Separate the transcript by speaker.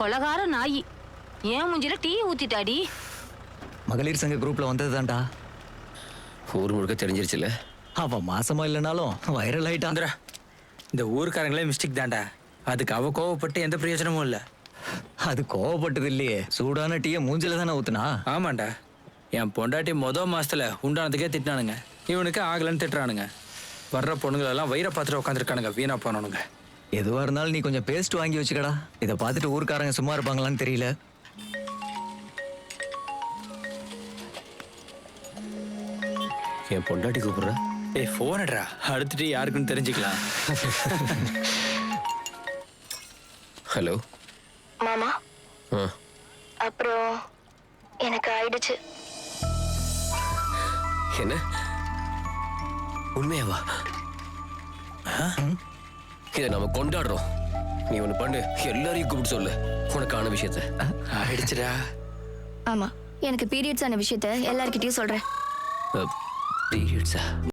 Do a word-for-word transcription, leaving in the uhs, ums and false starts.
Speaker 1: கொலகார நாயி ஏன் மூஞ்சில டீ ஊத்திட்டாடி.
Speaker 2: மகளிர் சங்க குரூப்ல வந்ததுதான்டா.
Speaker 3: ஊர் முழுக்க தெரிஞ்சிருச்சுல.
Speaker 2: அவ மாசமா இல்லைனாலும் வைரல் ஆயிட்டான்.
Speaker 4: இந்த ஊருக்காரங்களே மிஸ்டேக் தான்டா. அதுக்கு அவ கோவப்பட்டு எந்த பிரயோஜனமும் இல்ல.
Speaker 2: அது கோவப்பட்டது இல்லையே, சூடான டீய மூஞ்சில தானே ஊத்துனா.
Speaker 4: ஆமாண்டா, என் பொண்டாட்டி மொதல் மாசத்துல உண்டானதுக்கே திட்டினானுங்க. இவனுக்கு ஆகலன்னு திட்டுறானுங்க. வர்ற பொண்ணுங்களெல்லாம் வயிறை பார்த்துட்டு உட்காந்துருக்கானுங்க, வீணா போனானுங்க.
Speaker 2: எதுவா இருந்தாலும் நீ கொஞ்சம் பேஸ்ட் வாங்கி வச்சுக்கடா. இதை பார்த்துட்டு ஊருக்காரங்க சும்மா இருப்பாங்களான்னு தெரியல.
Speaker 3: என் பொண்டாட்டி கூப்பிடுற.
Speaker 4: ஏய் போனடா, அடுத்துட்டு யாருக்குன்னு தெரிஞ்சுக்கலாம்.
Speaker 3: ஹலோ
Speaker 5: மாமா.
Speaker 3: ஆ
Speaker 5: அப்புறம் எனக்கு ஆயிடுச்சு.
Speaker 3: என்ன உண்மையாவா? இதை நம்ம கொண்டாடுறோம். நீ ஒண்ணு பண்ணு, எல்லாரையும் கூப்பிட்டு சொல்லு உனக்கான விஷயத்த.
Speaker 4: ஆயிடுச்சுடா.
Speaker 5: ஆமா, எனக்கு பீரியட்ஸ் ஆன விஷயத்த எல்லார்கிட்டயும் சொல்றேன்.
Speaker 3: பீரியட்ஸா?